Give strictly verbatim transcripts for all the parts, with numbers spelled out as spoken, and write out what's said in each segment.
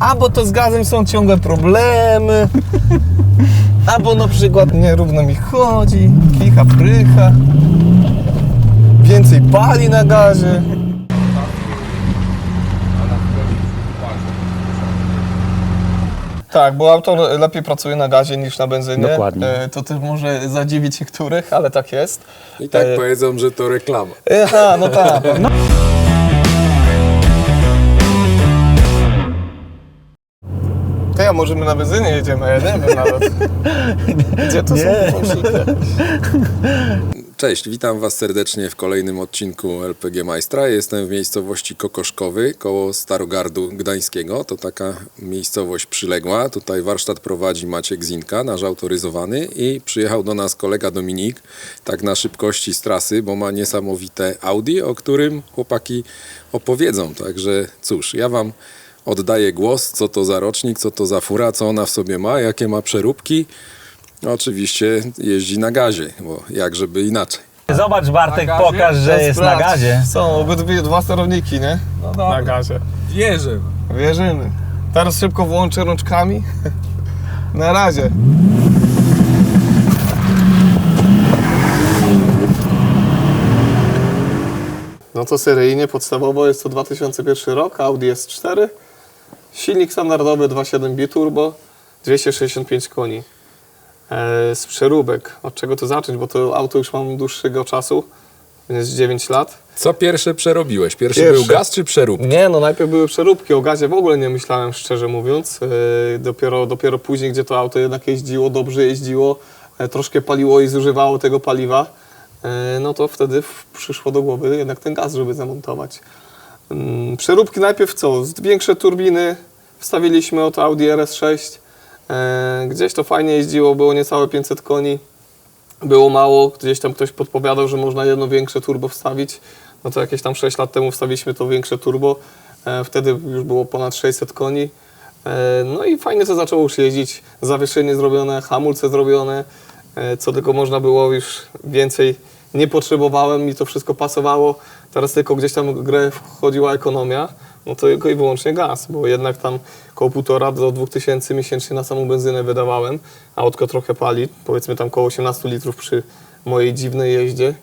albo to z gazem są ciągłe problemy, albo na przykład nierówno mi chodzi, kicha, prycha, więcej pali na gazie. Tak, bo auto lepiej pracuje na gazie niż na benzynie. Dokładnie. E, to też może zadziwić niektórych, ale tak jest. I tak e... powiedzą, że to reklama. Aha, no tak. No. To ja może my na benzynie jedziemy, ja nie wiem nawet. Gdzie to Nie. są włączniki? Cześć, witam Was serdecznie w kolejnym odcinku L P G Majstra. Jestem w miejscowości Kokoszkowy, koło Starogardu Gdańskiego. To taka miejscowość przyległa. Tutaj warsztat prowadzi Maciek Zinka, nasz autoryzowany, i przyjechał do nas kolega Dominik, tak na szybkości z trasy, bo ma niesamowite Audi, o którym chłopaki opowiedzą. Także cóż, ja Wam oddaję głos, co to za rocznik, co to za fura, co ona w sobie ma, jakie ma przeróbki. Oczywiście jeździ na gazie, bo jak żeby inaczej. Zobacz, Bartek, Na gazie? pokaż, że jest na gazie. Są obydwie dwa sterowniki, nie? No dobra. Na gazie. Wierzę. Wierzymy. Teraz szybko włączę rączkami. Na razie. No to seryjnie, podstawowo jest to dwa tysiące pierwszy rok, Audi S cztery. Silnik standardowy dwa przecinek siedem biturbo, dwieście sześćdziesiąt pięć koni. E, z przeróbek. Od czego to zacząć, bo to auto już mam dłuższego czasu, jest dziewięć lat. Co pierwsze przerobiłeś? Pierwszy, Pierwszy. był gaz czy przeróbka? Nie, no najpierw były przeróbki, o gazie w ogóle nie myślałem, szczerze mówiąc. Yy, dopiero, dopiero później, gdzie to auto jednak jeździło, dobrze jeździło, e, troszkę paliło i zużywało tego paliwa, e, no to wtedy w- przyszło do głowy jednak ten gaz, żeby zamontować. Ym, przeróbki najpierw co? Z większe turbiny wstawiliśmy od Audi R S sześć. E, gdzieś to fajnie jeździło, było niecałe pięćset koni. Było mało, gdzieś tam ktoś podpowiadał, że można jedno większe turbo wstawić. No to jakieś tam sześć lat temu wstawiliśmy to większe turbo. E, wtedy już było ponad sześćset koni. E, no i fajnie to zaczęło już jeździć. Zawieszenie zrobione, hamulce zrobione. E, co tylko można było, już więcej nie potrzebowałem, mi to wszystko pasowało. Teraz tylko gdzieś tam w grę wchodziła ekonomia. No to tylko i wyłącznie gaz, bo jednak tam koło półtora do dwóch tysięcy miesięcznie na samą benzynę wydawałem. Autko trochę pali, powiedzmy tam koło osiemnaście litrów przy mojej dziwnej jeździe.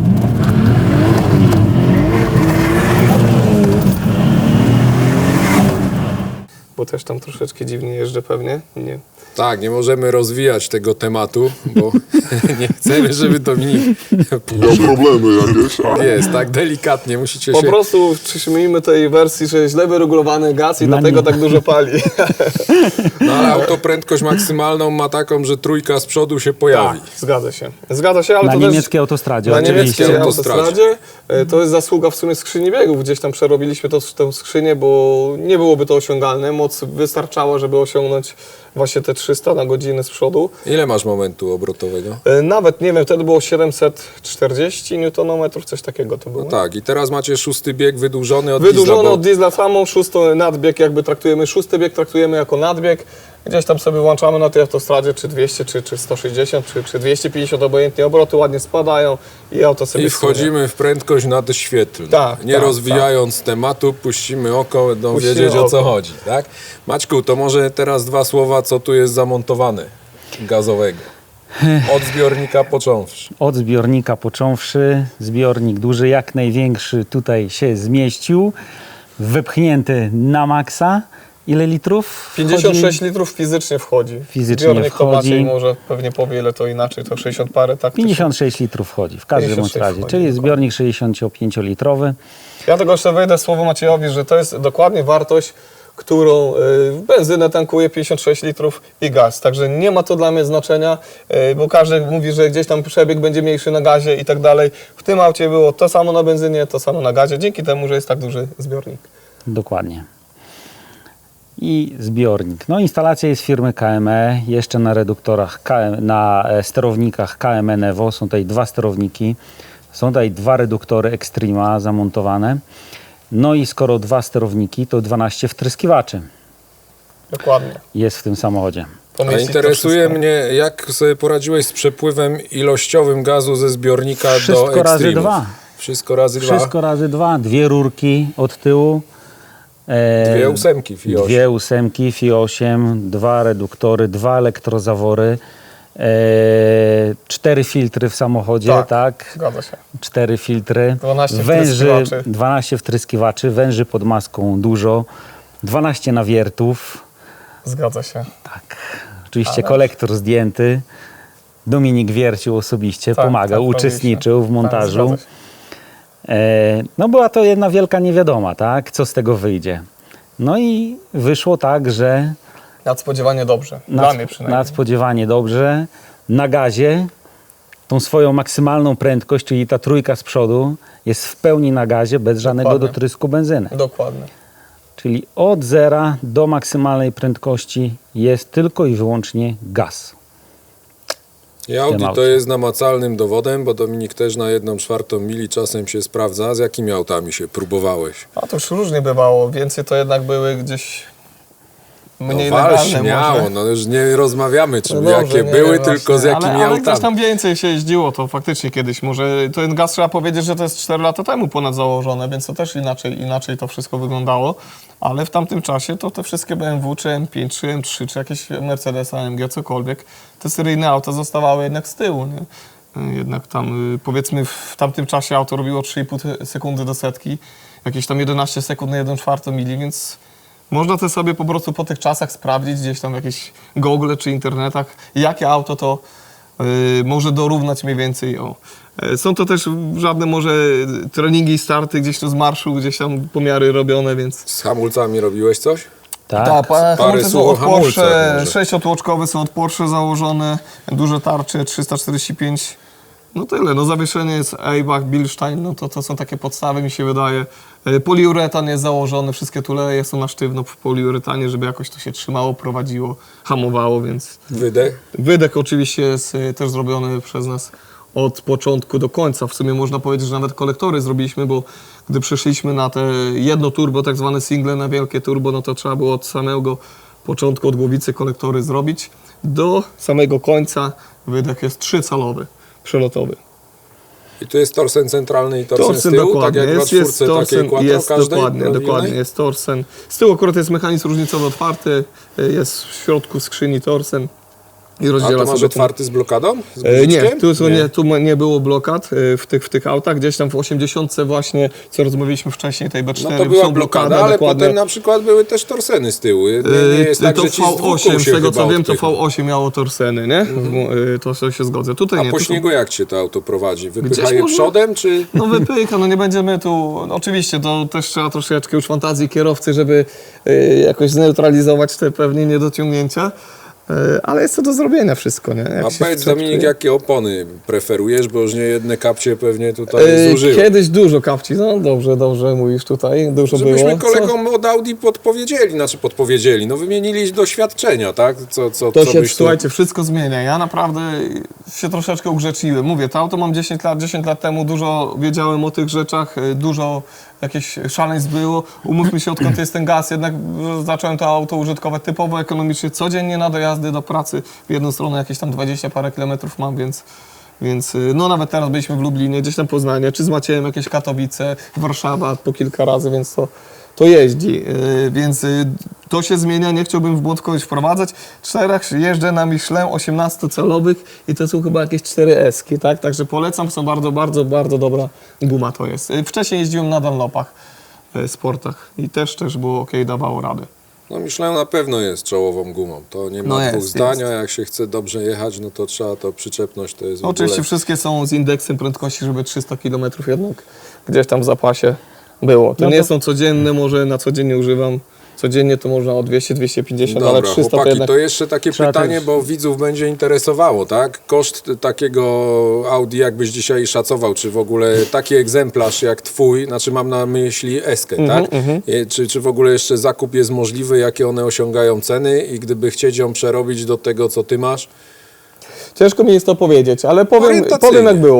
Bo też tam troszeczkę dziwnie jeżdżę pewnie. Nie. Tak, nie możemy rozwijać tego tematu, bo nie chcemy, żeby Dominik Miał problemy jakieś. a- jest tak delikatnie, musicie Po się... prostu przyjmijmy tej wersji, że źle wyregulowany gaz i Dla dlatego mnie. tak dużo pali. No ale auto prędkość maksymalną ma taką, że trójka z przodu się pojawi. Tak, zgadza się. Zgadza się, ale Na to niemieckiej autostradzie, Na oczywiście. niemieckiej autostradzie. autostradzie. E, To jest zasługa w sumie skrzyni biegów. Gdzieś tam przerobiliśmy to, tę skrzynię, bo nie byłoby to osiągalne. Moc wystarczała, żeby osiągnąć właśnie te trzysta na godzinę z przodu. Ile masz momentu obrotowego? E, Nawet, nie wiem, wtedy było siedemset czterdzieści niutonometrów, coś takiego to było. No tak, i teraz macie szósty bieg wydłużony od Wydłużony diesla, bo od diesla samą, szósty nadbieg jakby traktujemy, szósty bieg traktujemy jako nadbieg. Gdzieś tam sobie włączamy na tej autostradzie, czy dwieście, czy, czy sto sześćdziesiąt, czy, czy dwieście pięćdziesiąt, obojętnie obroty ładnie spadają i auto sobie i wchodzimy w prędkość nadświetlną. Tak, Nie tak, rozwijając tematu, puścimy oko, będą Puścimy wiedzieć, o co oko. chodzi. Tak? Maćku, to może teraz dwa słowa, co tu jest zamontowane gazowego. Od zbiornika począwszy. Od zbiornika począwszy, zbiornik duży, jak największy tutaj się zmieścił, wypchnięty na maksa. Ile litrów? pięćdziesiąt sześć wchodzi? litrów fizycznie wchodzi. Fizycznie Zbiornik to wchodzi. Maciej może pewnie powie, ile to inaczej, to sześćdziesiąt parę, tak? pięćdziesiąt sześć litrów wchodzi, w każdym bądź pięćdziesiąt sześć razie. wchodzi, Czyli dokładnie. zbiornik sześćdziesięciopięciolitrowy. Ja tego jeszcze wejdę słowo Maciejowi, że to jest dokładnie wartość, którą y, benzynę tankuje pięćdziesiąt sześć litrów i gaz. Także nie ma to dla mnie znaczenia, y, bo każdy mówi, że gdzieś tam przebieg będzie mniejszy na gazie i tak dalej. W tym aucie było to samo na benzynie, to samo na gazie, dzięki temu, że jest tak duży zbiornik. Dokładnie. I zbiornik. No, instalacja jest firmy K M E, jeszcze na reduktorach, K M, na e, sterownikach K M E Nevo. Są tutaj dwa sterowniki, są tutaj dwa reduktory Extrema zamontowane. No i skoro dwa sterowniki, to dwanaście wtryskiwaczy Dokładnie. jest w tym samochodzie. A Pomieścić to interesuje wszystko. mnie, jak sobie poradziłeś z przepływem ilościowym gazu ze zbiornika Wszystko do Extremów. razy dwa. Wszystko razy dwa. Wszystko razy dwa, dwie rurki od tyłu. E, Dwie ósemki F I osiem. Dwie ósemki F I osiem, dwa reduktory, dwa elektrozawory, e, cztery filtry w samochodzie, tak? Tak. Zgadza się. Cztery filtry, dwanaście węży, wtryskiwaczy. dwanaście wtryskiwaczy, węży pod maską dużo, dwanaście nawiertów, Zgadza się. tak. Oczywiście Ale- kolektor zdjęty. Dominik wiercił osobiście, Tak, pomagał, tak, uczestniczył w robiliśmy. montażu. Tak, zgadza się. E, no była to jedna wielka niewiadoma, tak? Co z tego wyjdzie. No i wyszło tak, że Nadspodziewanie dobrze. Dla nad, mnie przynajmniej. nadspodziewanie dobrze, na gazie, tą swoją maksymalną prędkość, czyli ta trójka z przodu jest w pełni na gazie, bez żadnego Dokładnie. dotrysku benzyny. Dokładnie. Czyli od zera do maksymalnej prędkości jest tylko i wyłącznie gaz. I Audi to aucie. jest namacalnym dowodem, bo Dominik też na jedną czwartą mili czasem się sprawdza. Z jakimi autami się próbowałeś? A to już różnie bywało. Więcej to jednak były gdzieś mniej no wal legalne śmiało, może. no już nie rozmawiamy, czy No dobrze, jakie nie, były, właśnie. tylko z jakimi ale, ale autami. też tam więcej się jeździło, to faktycznie kiedyś. Może ten gaz trzeba powiedzieć, że to jest cztery lata temu ponad założone, więc to też inaczej, inaczej to wszystko wyglądało. Ale w tamtym czasie to te wszystkie B M W, czy M pięć, czy M trzy, czy jakieś Mercedes, A M G, cokolwiek, te seryjne auta zostawały jednak z tyłu. Nie? Jednak tam, y, powiedzmy, w tamtym czasie auto robiło trzy i pół sekundy do setki, jakieś tam jedenaście sekund na jeden czwartą mili, więc można to sobie po prostu po tych czasach sprawdzić gdzieś tam w jakichś Google czy internetach, jakie auto to y, może dorównać mniej więcej. O. Y, Są to też żadne może treningi i starty gdzieś tu z marszu, gdzieś tam pomiary robione, więc... Z hamulcami robiłeś coś? Tak? Tak, pa- hamulce są słów o od Porsche, hamulcach może. sześciotłoczkowe są od Porsche założone, duże tarcze trzysta czterdzieści pięć. No tyle, no zawieszenie jest Eibach, Bilstein, no to, to są takie podstawy mi się wydaje. E, Poliuretan jest założony, wszystkie tuleje są na sztywno w poliuretanie, żeby jakoś to się trzymało, prowadziło, hamowało, więc... Wydech? Wydech oczywiście jest e, też zrobiony przez nas od początku do końca. W sumie można powiedzieć, że nawet kolektory zrobiliśmy, bo gdy przeszliśmy na te jedno turbo, tak zwane single na wielkie turbo, no to trzeba było od samego początku, od głowicy kolektory zrobić. Do samego końca wydech jest trzycalowy, przelotowy. I tu jest torsen centralny i torsen, z Torsen tyłu, tak dokładnie, jak jest, na jest czwórce takiej torsen, quattro jest każdej dokładnie, robionej? dokładnie, jest torsen. Z tyłu akurat jest mechanizm różnicowy otwarty, jest w środku skrzyni torsen i A rozdziela to masz sobie... otwarty z blokadą? Z E, Nie, guziczkiem? tu, są, nie. tu ma- nie było blokad e, w tych, w tych autach. Gdzieś tam w osiemdziesiątce właśnie, co rozmawialiśmy wcześniej, tej B cztery, No to była są blokada, blokady, ale dokładnie. potem na przykład były też torseny z tyłu. Nie, nie jest E, tak, to że ci z V dwóch osiem, kół z się tego co chyba wiem, to odpycha. V osiem miało torseny, nie? E, To się się zgodzę. Tutaj A nie. po tu są- śniegu jak cię to auto prowadzi? Wypycha Gdzieś je może- przodem, czy... No wypycha, no nie będziemy tu... no Oczywiście to też trzeba troszeczkę już fantazji kierowcy, żeby e, jakoś zneutralizować te pewnie niedociągnięcia. E, Ale jest to do zrobienia wszystko, nie? Jak A się powiedz chce, Dominik, to- jakie opony preferujesz, bo już nie jedne kapcie pewnie tutaj E, zużyły. Kiedyś dużo kapci, no dobrze, dobrze mówisz tutaj, dużo Żebyśmy było. Co- kolegom od Audi podpowiedzieli, znaczy podpowiedzieli, no wymienili doświadczenia, tak? Co, co, To co się, byś tu... słuchajcie, wszystko zmienia. Ja naprawdę się troszeczkę ugrzeczyłem. Mówię, to auto mam dziesięć lat, dziesięć lat temu dużo wiedziałem o tych rzeczach, y, dużo jakieś szaleństw było. Umówmy się, odkąd jest ten gaz, jednak y, zacząłem to auto użytkować typowo ekonomicznie, codziennie na dojazdy do pracy. W jedną stronę jakieś tam dwadzieścia parę kilometrów mam, więc... Więc y, no nawet teraz byliśmy w Lublinie, gdzieś tam Poznanie, czy z Maciejem jakieś Katowice, Warszawa po kilka razy, więc to, to jeździ. Y, Więc y, to się zmienia, nie chciałbym w błąd kogoś wprowadzać. Czterech jeżdżę na Michelin osiemnastocalowych i to są chyba jakieś cztery eski, tak? Także polecam, są bardzo, bardzo, bardzo dobra guma to jest. Y, Wcześniej jeździłem na Dunlopach, y, sportach i też, też było ok, dawało radę. No Michelin na pewno jest czołową gumą, to nie ma No dwóch jest, zdań, jest. a jak się chce dobrze jechać, no to trzeba to przyczepność, to jest w Oczywiście ogóle... wszystkie są z indeksem prędkości, żeby trzysta kilometrów jednak gdzieś tam w zapasie było. To No nie to- są codzienne, może na codziennie używam. Codziennie to można o dwieście dwieście pięćdziesiąt, ale Dobra, trzysta to chłopaki, jednak... to jeszcze takie Trzeba pytanie, też- bo widzów będzie interesowało, tak? Koszt takiego Audi, jakbyś dzisiaj szacował, czy w ogóle taki egzemplarz jak twój, znaczy mam na myśli Eskę, Mhm, tak? I Czy, czy w ogóle jeszcze zakup jest możliwy, jakie one osiągają ceny i gdyby chcieć ją przerobić do tego, co ty masz? Ciężko mi jest to powiedzieć, ale powiem, Orientacyjnie. powiem jak było.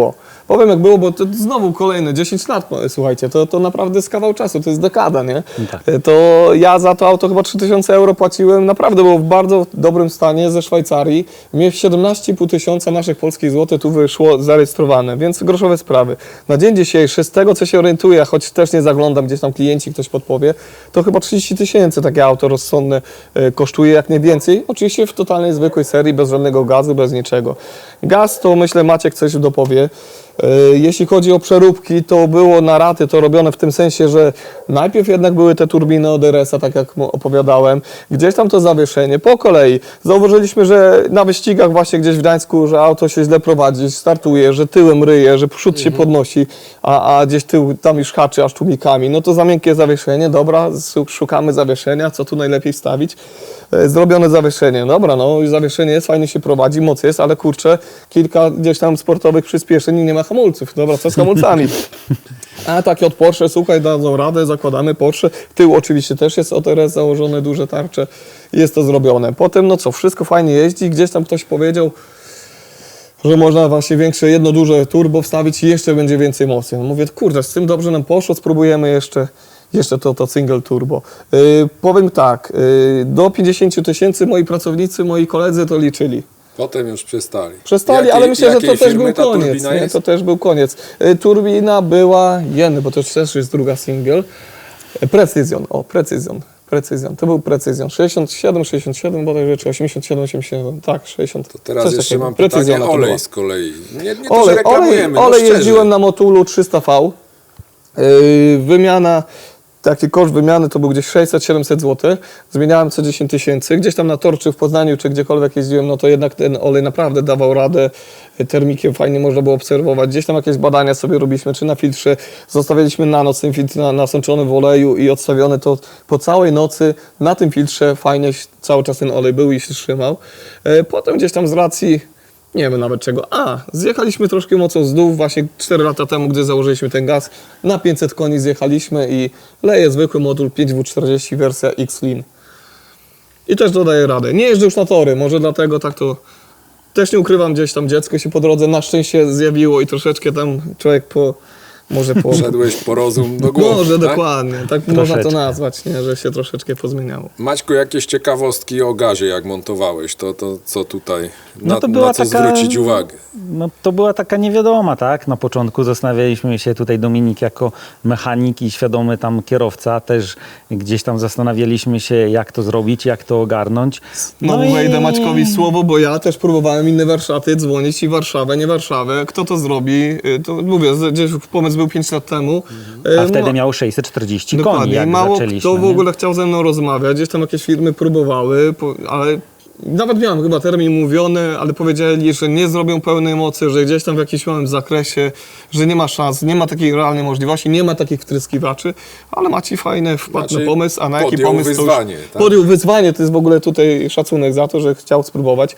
Powiem jak było, bo to znowu kolejne dziesięć lat, słuchajcie, to, to naprawdę jest kawał czasu, to jest dekada, nie? tak. To ja za to auto chyba trzy tysiące euro płaciłem, naprawdę było w bardzo dobrym stanie ze Szwajcarii. Mnie siedemnaście i pół tysiąca naszych polskich złotych tu wyszło zarejestrowane, więc groszowe sprawy. Na dzień dzisiejszy, z tego co się orientuję, choć też nie zaglądam, gdzieś tam klienci ktoś podpowie, to chyba trzydzieści tysięcy takie auto rozsądne e, kosztuje, jak nie więcej. Oczywiście w totalnej zwykłej serii, bez żadnego gazu, bez niczego. Gaz to myślę Maciek coś dopowie. E, Jeśli chodzi o przeróbki, to było na raty to robione w tym sensie, że najpierw jednak były te turbiny od R S a, tak jak mu opowiadałem, gdzieś tam to zawieszenie, po kolei. Zauważyliśmy, że na wyścigach właśnie gdzieś w Gdańsku, że auto się źle prowadzi, startuje, że tyłem ryje, że przód się podnosi, a, a gdzieś tył tam już haczy aż tłumikami. No to za miękkie zawieszenie, dobra, szukamy zawieszenia, co tu najlepiej wstawić. E, Zrobione zawieszenie, dobra, no i zawieszenie jest, fajnie się prowadzi, moc jest, ale kurczę, kilka gdzieś tam sportowych przyspieszeń i nie ma hamulców. Dobra, co z hamulcami? A takie od Porsche, słuchaj, dadzą radę, zakładamy Porsche. Tył oczywiście też jest od R S założone, duże tarcze. Jest to zrobione. Potem, no co, wszystko fajnie jeździ. Gdzieś tam ktoś powiedział, że można właśnie większe, jedno duże turbo wstawić i jeszcze będzie więcej mocy. Mówię, kurde, z tym dobrze nam poszło, spróbujemy jeszcze, jeszcze to, to single turbo. Yy, powiem tak, yy, do pięćdziesiąt tysięcy moi pracownicy, moi koledzy to liczyli. Potem już przestali. Przestali, Jakiej- ale myślę, że to jakiej też firmy był ta koniec. turbina Nie? jest? To też był koniec. Y, Turbina była Jenny, bo to też jest druga single. Y, Precision, o, Precision. Precision, to był Precision. sześćdziesiąt siedem, sześćdziesiąt siedem bodajże, czy osiemdziesiąt siedem, osiemdziesiąt siedem, tak, sześćdziesiąt. To teraz coś jeszcze takiego. mam Precisiona pytanie, to była. olej z kolei. Nie, nie to, że Olej, olej, reklamujemy, olej no szczerze. jeździłem na Motulu trzysta V. Yy, wymiana, taki koszt wymiany to był gdzieś sześćset siedemset złotych. Zmieniałem co dziesięć tysięcy. Gdzieś tam na Tor, czy w Poznaniu, czy gdziekolwiek jeździłem, no to jednak ten olej naprawdę dawał radę. Termikiem fajnie można było obserwować. Gdzieś tam jakieś badania sobie robiliśmy, czy na filtrze. Zostawialiśmy na noc ten filtr na, nasączony w oleju i odstawiony to po całej nocy na tym filtrze fajnie cały czas ten olej był i się trzymał. Yy, potem gdzieś tam z racji nie wiem nawet czego. A, zjechaliśmy troszkę mocno z dół, właśnie cztery lata temu, gdy założyliśmy ten gaz, na pięćset koni zjechaliśmy i leje zwykły moduł pięć W czterdzieści wersja X-Lean. I też dodaje radę. Nie jeżdżę już na tory, może dlatego tak to... Też nie ukrywam, gdzieś tam dziecko się po drodze na szczęście zjawiło i troszeczkę tam człowiek po... Może po... Wszedłeś po rozum do głowy, Może tak? dokładnie, tak można to Troszeczkę. nazwać, nie? Że się troszeczkę pozmieniało. Maćku, jakieś ciekawostki o gazie, jak montowałeś, to, to co tutaj, na, No to była na co taka- zwrócić uwagę? No, to była taka niewiadoma, tak? Na początku zastanawialiśmy się tutaj, Dominik jako mechanik i świadomy tam kierowca, też gdzieś tam zastanawialiśmy się, jak to zrobić, jak to ogarnąć. No, i- wejdę Maćkowi słowo, bo ja też próbowałem inne warsztaty dzwonić i Warszawę, nie Warszawę. Kto to zrobi? Y, To mówię, z- gdzieś pomysł był pięć lat temu. Y, A wtedy no, miał sześćset czterdzieści koni, dokładnie. jak Mało zaczęliśmy. kto w nie? ogóle chciał ze mną rozmawiać. Gdzieś tam jakieś firmy próbowały, po- ale nawet miałem chyba termin mówiony, ale powiedzieli, że nie zrobią pełnej mocy, że gdzieś tam w jakimś małym zakresie, że nie ma szans, nie ma takiej realnej możliwości, nie ma takich wtryskiwaczy, ale Maciej fajny wpadł Znaczy, na pomysł, a na jaki podjął pomysł wyzwanie, to już... tak? Podjął wyzwanie, to jest w ogóle tutaj szacunek za to, że chciał spróbować.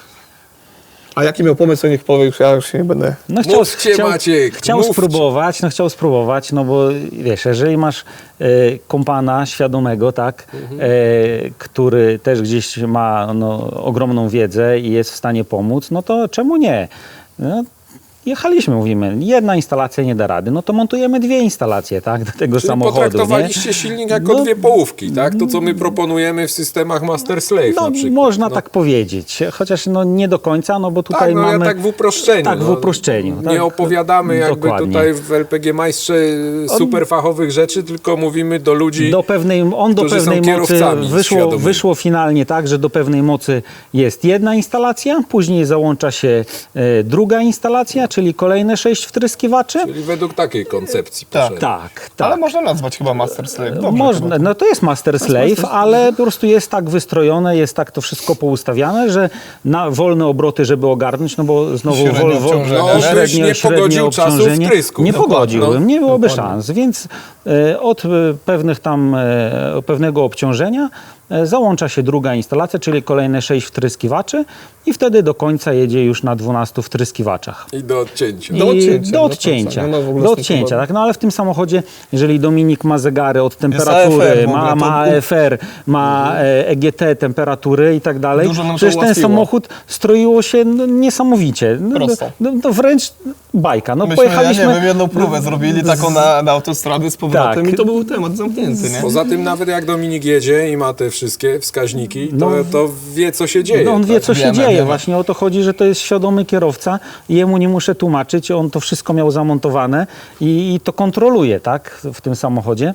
A jaki miał pomysł, to niech powie, już ja już się nie będę... No chciał, Mówcie, chciał, Maciek, chciał mówcie. spróbować, no chciał spróbować, no bo wiesz, jeżeli masz e, kompana świadomego, tak, Mhm. e, który też gdzieś ma no, ogromną wiedzę i jest w stanie pomóc, no to czemu nie? No, jechaliśmy, mówimy, jedna instalacja nie da rady, no to montujemy dwie instalacje, tak, do tego Czyli samochodu, potraktowaliście nie? silnik jako No, dwie połówki, tak? To, co my proponujemy w systemach Master Slave No, na przykład. można no. tak powiedzieć, chociaż no nie do końca, no bo tutaj Tak, no ja mamy... tak w uproszczeniu. Tak, w no. uproszczeniu. Nie tak. opowiadamy jakby Dokładnie. tutaj w L P G Majstrze super fachowych rzeczy, tylko mówimy do ludzi. Do pewnej, on do którzy są pewnej mocy kierowcami wyszło, świadomymi. wyszło finalnie tak, że do pewnej mocy jest jedna instalacja, później załącza się e, druga instalacja, czyli kolejne sześć wtryskiwaczy. Czyli według takiej koncepcji Tak. poszedłem. Tak, tak. Ale można nazwać chyba Master Slave. Dobrze, Można, chyba. no to jest Master Slave, ale po prostu jest tak wystrojone, jest tak to wszystko poustawiane, że na wolne obroty, żeby ogarnąć, no bo znowu Średnie wol, wol, obciążenie. No, byś średnio, nie średnie pogodził czasu obciążenie. wtrysków. Nie Dokładnie. pogodziłbym, No, nie byłoby dokładnie. szans, więc e, od e, pewnych tam, e, pewnego obciążenia e, załącza się druga instalacja, czyli kolejne sześć wtryskiwaczy i wtedy do końca jedzie już na dwunastu wtryskiwaczach. I do odcięcia. Do I odcięcia, do do odcięcia, końca. Nie ma w ogóle do z tym odcięcia, problemu. tak? No ale w tym samochodzie, jeżeli Dominik ma zegary od A temperatury, F R w ogóle, ma, to- ma A F R, ma e, E G T, temperatury i tak dalej, Dużo nam to przecież ten ułatwiło. samochód stroiło się no, niesamowicie. No, Prosto. no, no, wręcz bajka. No, Myśmy, pojechaliśmy... ja nie wiem, jedną próbę zrobili taką na, na autostradę z powrotem Tak. i to był temat zamknięty, nie? Poza tym nawet jak Dominik jedzie i ma te wszystkie wskaźniki, to, No. to wie, co się dzieje. No on wie, tak? co się Wiemy, dzieje. wiemy. Właśnie o to chodzi, że to jest świadomy kierowca i jemu nie muszę tłumaczyć. On to wszystko miał zamontowane i, i to kontroluje, tak, w tym samochodzie.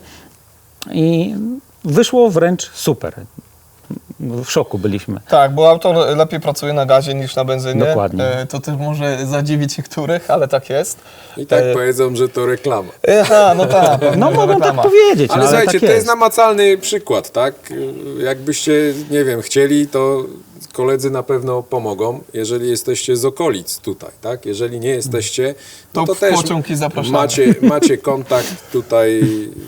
I wyszło wręcz super. W szoku byliśmy. Tak, bo auto lepiej pracuje na gazie niż na benzynie. Dokładnie. E, To też może zadziwić niektórych, ale tak jest. I tak E, powiedzą, że to reklama. Aha, no tak. No pewnie, mogą tak reklama. powiedzieć, Ale no, ale słuchajcie, tak to jest. jest namacalny przykład, tak? Jakbyście, nie wiem, chcieli, to koledzy na pewno pomogą, jeżeli jesteście z okolic tutaj, tak? Jeżeli nie jesteście, To no to w też pociąg i zapraszamy. macie, macie kontakt tutaj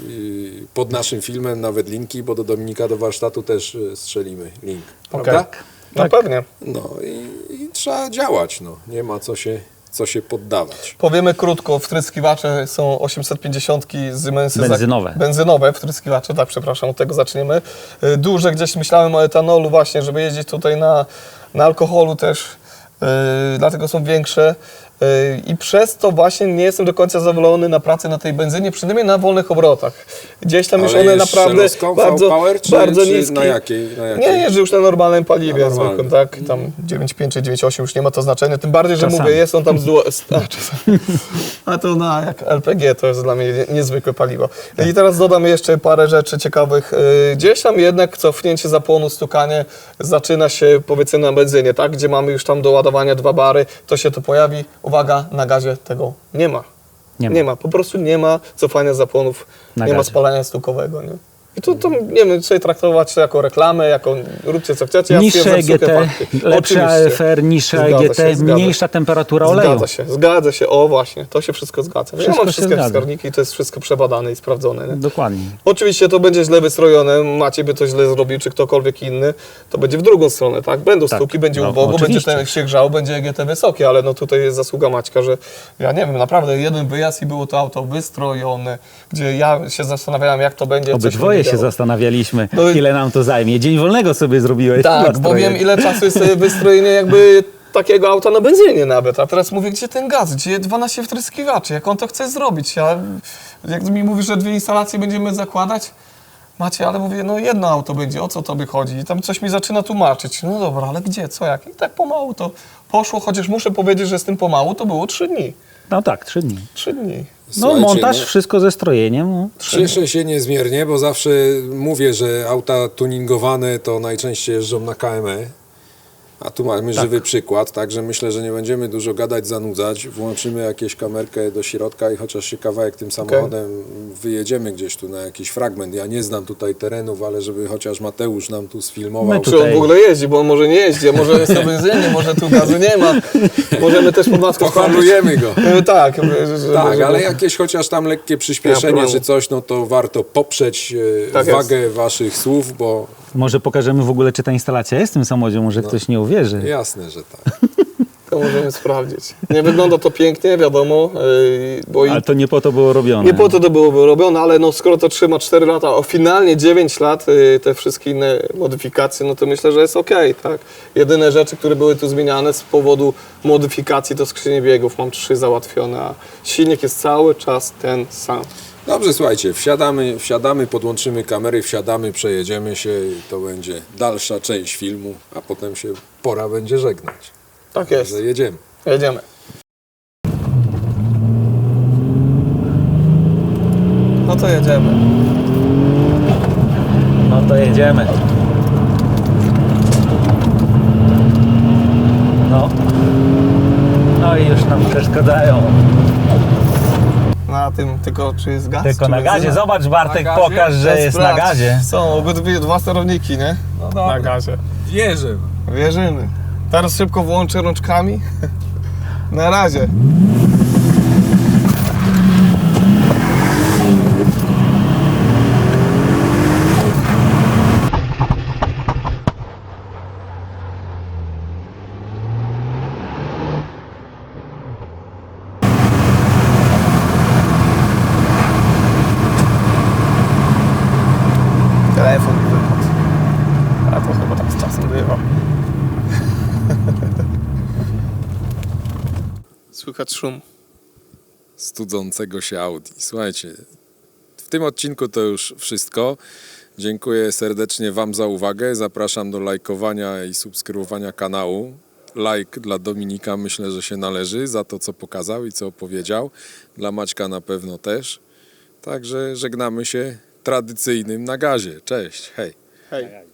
yy, pod naszym filmem, nawet linki, bo do Dominika do warsztatu też yy, strzelimy link, prawda? Okej. No pewnie. No i, i trzeba działać, no. Nie ma co się, co się poddawać. Powiemy krótko, wtryskiwacze są osiemset pięćdziesiąt z Mensy Benzynowe. Benzynowe wtryskiwacze, tak, przepraszam, od tego zaczniemy. Y, Duże, gdzieś myślałem o etanolu właśnie, żeby jeździć tutaj na, na alkoholu też, y, dlatego są większe. Y, I przez to właśnie nie jestem do końca zadowolony na pracy na tej benzynie, przynajmniej na wolnych obrotach. Gdzieś tam już Ale one jest naprawdę szelostką, bardzo, V-Power, czy- bardzo czy niskie. na jakiej- na jakiej? Nie, jeżdżę już na normalnym paliwie, Na normalnym. zwykłym, tak, tam dziewięć przecinek pięć czy dziewięć przecinek osiem już nie ma to znaczenia, tym bardziej, że Czasami. mówię, jest on tam z duo, z, a, czasami. a to na jak L P G to jest dla mnie nie- niezwykłe paliwo. I teraz dodam jeszcze parę rzeczy ciekawych. Yy, Gdzieś tam jednak cofnięcie zapłonu, stukanie zaczyna się powiedzmy na benzynie, tak, gdzie mamy już tam do ładowania dwa bary, to się to pojawi. Uwaga, na gazie tego nie ma. Nie ma. Nie ma, po prostu nie ma cofania zapłonów, Na nie ma gazie. spalania stukowego, nie? I to, to nie wiem, sobie traktować to jako reklamę, jako róbcie co chcecie. Ja Niższe stwierdzam E G suche T, fakty. lepsze A Oczywiście. F R, niższe Zgadza E G T, się, zgadza. mniejsza temperatura oleju. Zgadza się, zgadza się. O właśnie, to się wszystko zgadza. Wszystko ja mam się wszystkie zgadza. wskaźniki i to jest wszystko przebadane i sprawdzone. Nie? Dokładnie. Oczywiście to będzie źle wystrojone, Maciej by to źle zrobił, czy ktokolwiek inny, to będzie w drugą stronę, tak? Będą Tak, stuki, będzie no, ubogo, będzie oczywiście. ten się grzał, będzie E G T wysokie, ale no tutaj jest zasługa Maćka, że ja nie wiem, naprawdę jeden wyjazd i było to auto wystrojone, gdzie ja się zastanawiałem, jak to będzie. coś mi Obydwoje nie się działo. zastanawialiśmy, No i- ile nam to zajmie. Dzień wolnego sobie zrobiłeś. Tak, na bo strojeniu. wiem, ile czasu jest sobie wystrojenie jakby takiego auta na benzynie nawet, a teraz mówię, gdzie ten gaz, gdzie dwanaście wtryskiwaczy, jak on to chce zrobić, ja, jak mi mówisz, że dwie instalacje będziemy zakładać, Macie, ale mówię, no jedno auto będzie, o co tobie chodzi? I tam coś mi zaczyna tłumaczyć. No dobra, ale gdzie, co, jak? I tak pomału to poszło, chociaż muszę powiedzieć, że z tym pomału to było trzy dni. No tak, trzy dni. Trzy dni. No Słuchajcie, montaż, no, wszystko ze strojeniem. No. Cieszę się niezmiernie, bo zawsze mówię, że auta tuningowane to najczęściej jeżdżą na K M E. A tu mamy żywy przykład, także myślę, że nie będziemy dużo gadać, zanudzać. Włączymy jakieś kamerkę do środka i chociaż się kawałek tym samochodem wyjedziemy gdzieś tu na jakiś fragment. Ja nie znam tutaj terenów, ale żeby chociaż Mateusz nam tu sfilmował. My tu- Czy on Tutaj. w ogóle jeździ, bo on może nie jeździ, a może jest na benzynie, może tu gazu nie ma. Możemy też pod maską Pochwalujemy go. E, Tak, że- że- Tak, żeby- ale jakieś chociaż tam lekkie przyspieszenie problemu. czy coś, no to warto poprzeć e, Tak wagę waszych słów, bo Może pokażemy w ogóle, czy ta instalacja jest w tym samochodzie, może ktoś nie uwierzy. jasne, że tak. To możemy sprawdzić. Nie wygląda to pięknie, wiadomo, yy, bo i Ale to nie po to było robione. nie po to to było robione, ale no skoro to trzyma cztery lata, a finalnie dziewięć lat, yy, te wszystkie inne modyfikacje, no to myślę, że jest okej, tak. Jedyne rzeczy, które były tu zmieniane z powodu modyfikacji, to skrzynie biegów, mam trzy załatwione, a silnik jest cały czas ten sam. Dobrze, słuchajcie, wsiadamy, wsiadamy, podłączymy kamery, wsiadamy, przejedziemy się i to będzie dalsza część filmu, a potem się pora będzie żegnać. Tak jest. Że jedziemy. Jedziemy. No to jedziemy. No to jedziemy. No. No i już nam przeszkadzają. Na tym tylko czy jest gaz? Tylko czy na gazie. benzyna? Zobacz, Bartek, Na gazie? pokaż, że jest na Sprawdź. gazie. Są obydwie dwa sterowniki, nie? No dobra. Na gazie. Wierzę. Wierzymy. Teraz szybko włączę rączkami. Na razie. Słychać szum. studzącego się Audi. Słuchajcie, w tym odcinku to już wszystko. Dziękuję serdecznie Wam za uwagę. Zapraszam do lajkowania i subskrybowania kanału. Like dla Dominika myślę, że się należy za to, co pokazał i co opowiedział. Dla Maćka na pewno też. Także żegnamy się tradycyjnym na gazie. Cześć, hej. Hej.